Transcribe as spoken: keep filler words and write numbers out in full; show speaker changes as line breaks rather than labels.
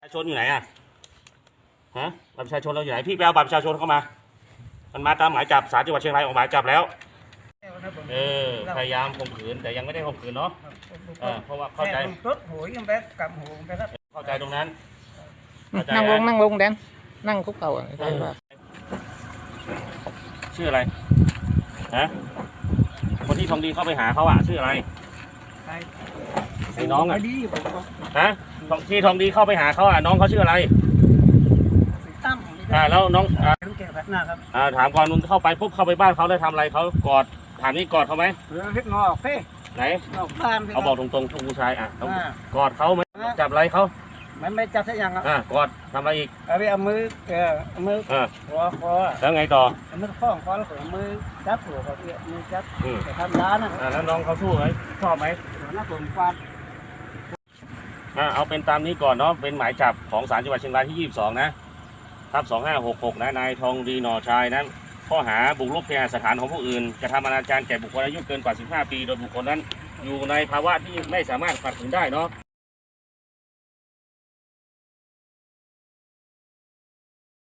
ประชาชนอยู่ไหนอ่ะฮะบัตรประชาชนเราอยู่ไหนพี่ไปเอาบัตรประชาชนเข้ามามันมาตามหมายจับศาลจังหวัดเชียงรายออกหมายจับแล้วเออพยายามข่มขืนแต่ยังไม่ได้ข่มขืนเนาะเออเพราะว่าเข้าใจ
รถหวยยังแบบกับหูไปครับ
เข้าใจตรงนั้น
นั่งลงนั่งลงแดนนั่งคุกเข่าอ่ะ
ชื่ออะไรฮะคนที่ทองดีเข้าไปหาเขาอ่ะชื่ออะไรไอ้น้องอ่ะฮะที่ทองดีเข้าไปหาเขาอ่ะน้องเขาชื่ออะไร
ตั้ม
อ่าแล้วน้องอ่า
แก่แบบหน้าครับ
อ่าถามก่อนนุ่นเข้าไปปุ๊บเข้าไปบ้านเขาได้ทำอะไรเขากอดถามนี่กอดเขาไหม
เรือเล็กงอเฟ้
ไหน
เขา
บอกตรงๆทุกผู้ชายอ่ะกอดเขาไหมจับอะไรเขา
ไม่ไม่จับสักอย่างอ่ะ
กอดทำอะไรอีก
เอาไปเอามือเออเอามือคอคอ
แล้วไงต่อ
เอามือข้องคอแล้วเอามือจับหัวเขาเอื้อมือจับแต่ทำร้านนะ
แล้วน้องเขาสู้ไหมชอบไหม
น่าสนฟัน
อ่าเอาเป็นตามนี้ก่อนเนาะเป็นหมายจับของศาลจังหวัดเชียงรายที่ยี่สิบสองนะทับสองห้าหกหกนะนายทองดีหน่อชายนั้นข้อหาบุกรุกเคหสถานของผู้อื่นกระทำอนาจารแก่บุคคลอายุเกินกว่าสิบห้าปีโดยบุคคลนั้นอยู่ในภาวะที่ไม่สามารถขัดขืนได้เนาะ